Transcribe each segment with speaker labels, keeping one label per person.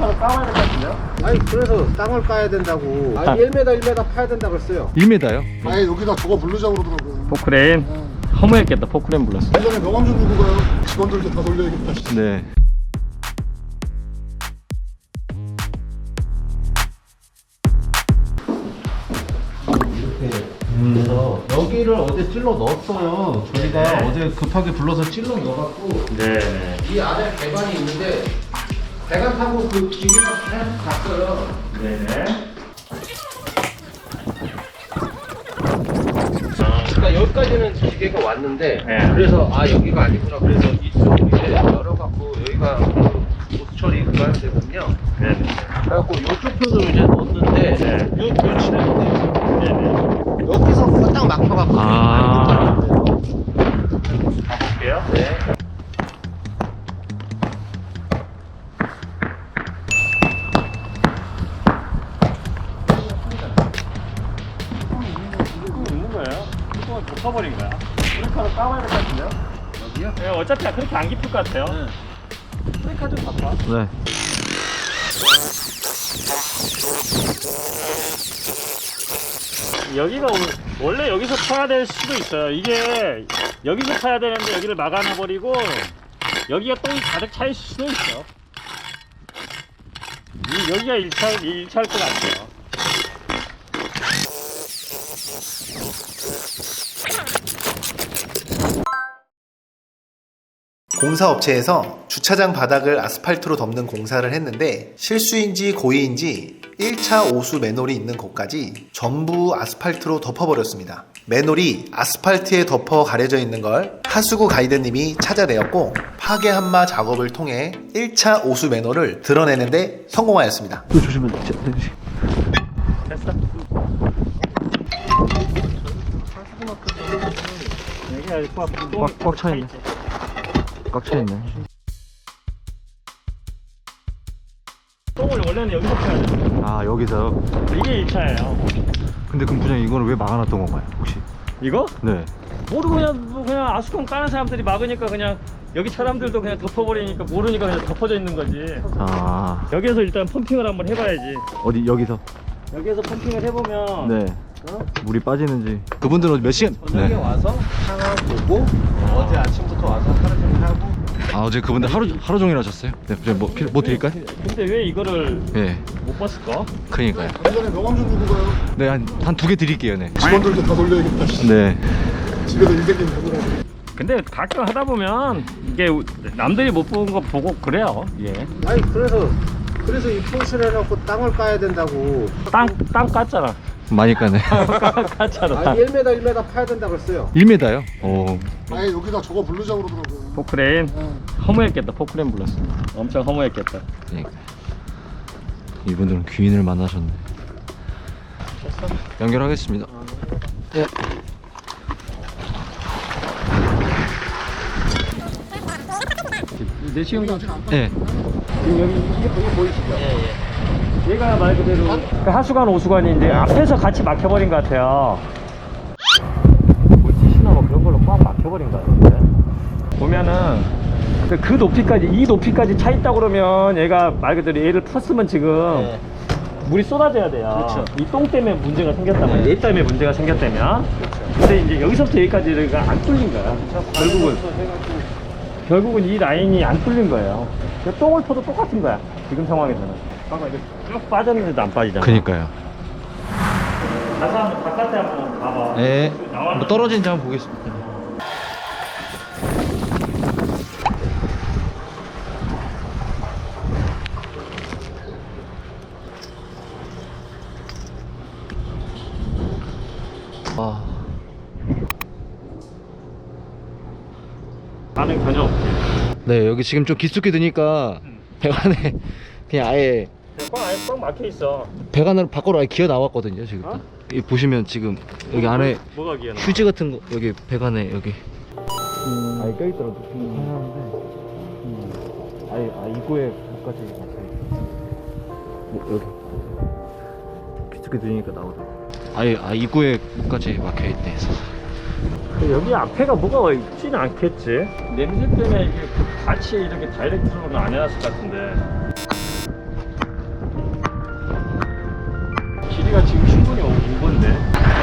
Speaker 1: 브레이크를 까봐야 될 것 같은데요?
Speaker 2: 아니 그래서 땅을 까야 된다고. 아니 1m 1m 파야 된다 그랬어요.
Speaker 3: 1m요?
Speaker 4: 아니 여기다 저거 부르자고 그러더라고요.
Speaker 1: 포크레인 허무했겠다. 포크레인 불렀어.
Speaker 4: 예전에 명함 좀 주고 가요. 직원들도 다 돌려야겠다.
Speaker 3: 네.
Speaker 2: 그래서 여기를 어제 찔러 넣었어요. 저희가 어제 급하게 불러서 찔러 넣어갖고
Speaker 1: 네.
Speaker 2: 이 안에 배관이 있는데 배관 타고 그 기계가 계속 갔어요.
Speaker 1: 네네.
Speaker 2: 그러니까 여기까지는 기계가 왔는데
Speaker 1: 네.
Speaker 2: 그래서 아 여기가 아니구나. 그래서 이쪽 이제 열어갖고 여기가 그 보수 처리 그거 하는 데거든요.
Speaker 1: 네네.
Speaker 2: 그래갖고 이쪽 편으로 이제 넣었는데
Speaker 1: 네.
Speaker 2: 요 치는데
Speaker 1: 네네.
Speaker 2: 여기서 딱 막혀갖고
Speaker 1: 아.
Speaker 2: 안 붙더라고요.
Speaker 1: 가볼게요.
Speaker 2: 네.
Speaker 1: 있는 거예요. 뚜껑을 덮어버린 거야. 브레이크를 까봐야 될 것 같은데요?
Speaker 2: 여기요?
Speaker 1: 네, 어차피 그렇게 안 깊을 것 같아요. 브레이크 좀 덮어.
Speaker 3: 네.
Speaker 1: 여기가 원래 여기서 파야 될 수도 있어요. 이게 여기서 파야 되는데 여기를 막아놔버리고 여기가 똥이 가득 차 있을 수도 있어. 여기가 1차일 것 같아요.
Speaker 5: 공사업체에서 주차장 바닥을 아스팔트로 덮는 공사를 했는데 실수인지 고의인지 1차 오수 맨홀이 있는 곳까지 전부 아스팔트로 덮어버렸습니다. 맨홀이 아스팔트에 덮어 가려져 있는 걸 하수구 가이드님이 찾아내었고 파괴 한마 작업을 통해 1차 오수 맨홀을 드러내는데 성공하였습니다.
Speaker 3: 조심해.
Speaker 1: 됐어? 여기가
Speaker 3: 꽉 차있네. 꽉 차있네.
Speaker 1: 똥을 원래는 여기서 파야 돼.
Speaker 3: 아, 여기서.
Speaker 1: 이게 1차예요.
Speaker 3: 근데 그럼 부장님 이거는 왜 막아놨던 건가요, 혹시?
Speaker 1: 이거?
Speaker 3: 네.
Speaker 1: 모르고 그냥 아수콘 까는 사람들이 막으니까 그냥 여기 사람들도 그냥 덮어버리니까 모르니까 그냥 덮어져 있는 거지.
Speaker 3: 아,
Speaker 1: 여기에서 일단 펌핑을 한번 해봐야지.
Speaker 3: 어디, 여기서?
Speaker 1: 여기에서 펌핑을 해보면
Speaker 3: 네. 물이 빠지는지. 그분들은 몇 시간?
Speaker 2: 저녁에 와서 상황 보고 어제 아침부터 와서 하루 종일 하고.
Speaker 3: 아, 어제 그분들 하루 종일 하셨어요? 네, 부장님 뭐 드릴까요?
Speaker 1: 근데 왜 이거를
Speaker 3: 예.
Speaker 1: 못 봤을까?
Speaker 3: 그러니까요.
Speaker 4: 예전에 명함 좀 주고 가요.
Speaker 3: 네, 한 두 개 드릴게요, 네.
Speaker 4: 직원들도 다 돌려야겠다.
Speaker 3: 네.
Speaker 4: 집에서 인생님 보느라고.
Speaker 1: 근데 가끔 하다 보면 이게 남들이 못 본 거 보고 그래요. 예.
Speaker 2: 아니 그래서 이 포스를 해놓고 땅을 까야 된다고.
Speaker 1: 땅 깠잖아.
Speaker 3: 많이 까네.
Speaker 1: 깠잖아.
Speaker 2: 아니 1m 1m 파야 된다 그랬어요.
Speaker 3: 1m요? 오.
Speaker 4: 아니 여기다 저거 부르자고 그러더라고요.
Speaker 1: 포크레인 허무했겠다. 포크레인 불렀어. 엄청 허무했겠다.
Speaker 3: 그러니까. 이분들은 귀인을 만나셨네. 연결하겠습니다. 예.
Speaker 1: 내시경도
Speaker 3: 예.
Speaker 1: 지금 여기 이게 보이시죠? 예. 얘가 말 그대로 그 하수관 오수관인데 앞에서 같이 막혀버린 것 같아요. 물티슈나 뭐 그런 걸로 꽉 막혀버린 것 같은데. 보면은 그 높이까지 이 높이까지 차 있다 그러면 얘가 말 그대로 얘를 풀었으면 지금 물이 쏟아져야 돼요.
Speaker 2: 그렇죠.
Speaker 1: 이 똥 때문에 문제가 생겼다면 얘 때문에 문제가 생겼다면. 근데 이제 여기서부터 여기까지가 안 뚫린 거야. 결국은 이 라인이 안 뚫린 거예요. 똥을 퍼도 똑같은 거야. 지금 상황에서는. 봐봐, 이거 쭉 빠졌는데도 안 빠지잖아.
Speaker 3: 그니까요.
Speaker 1: 가서 한번 바깥에 한번 봐봐.
Speaker 3: 예.
Speaker 1: 나왔는데.
Speaker 3: 뭐 떨어진지 한번 보겠습니다. 아.
Speaker 1: 반응 전혀 없지.
Speaker 3: 네, 여기 지금 좀 깊숙이 드니까 배관에 그냥 아예
Speaker 1: 꽉 막혀 있어.
Speaker 3: 배관으로 밖으로 아예 기어 나왔거든요, 지금.
Speaker 1: 어?
Speaker 3: 이 보시면 지금 여기 안에
Speaker 1: 뭐가 기어나?
Speaker 3: 휴지 같은 거 여기 배관에 여기
Speaker 1: 아예 껴있더라도 아예 입구에 끝까지
Speaker 3: 뭐 여기 깊숙이 드니까 나오더라고. 아예 입구에까지 막혀 있네.
Speaker 1: 여기 앞에가 뭐가 있지는 않겠지. 냄새 때문에 이게 같이 이렇게 다이렉트로는 안 해놨을 것 같은데.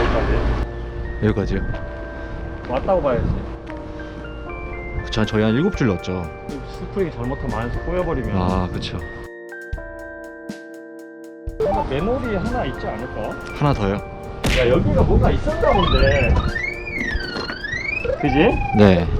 Speaker 1: 여기까지?
Speaker 3: 여기까지요?
Speaker 1: 왔다고 봐야지.
Speaker 3: 그쵸, 저희 한 7줄 넣었죠.
Speaker 1: 스프링이 잘못하면 안에서 꼬여버리면.
Speaker 3: 아, 그쵸.
Speaker 1: 뭔가 맨홀이 하나 있지 않을까?
Speaker 3: 하나 더요?
Speaker 1: 야, 여기가 뭔가 있었나 본데. 그지?
Speaker 3: 네.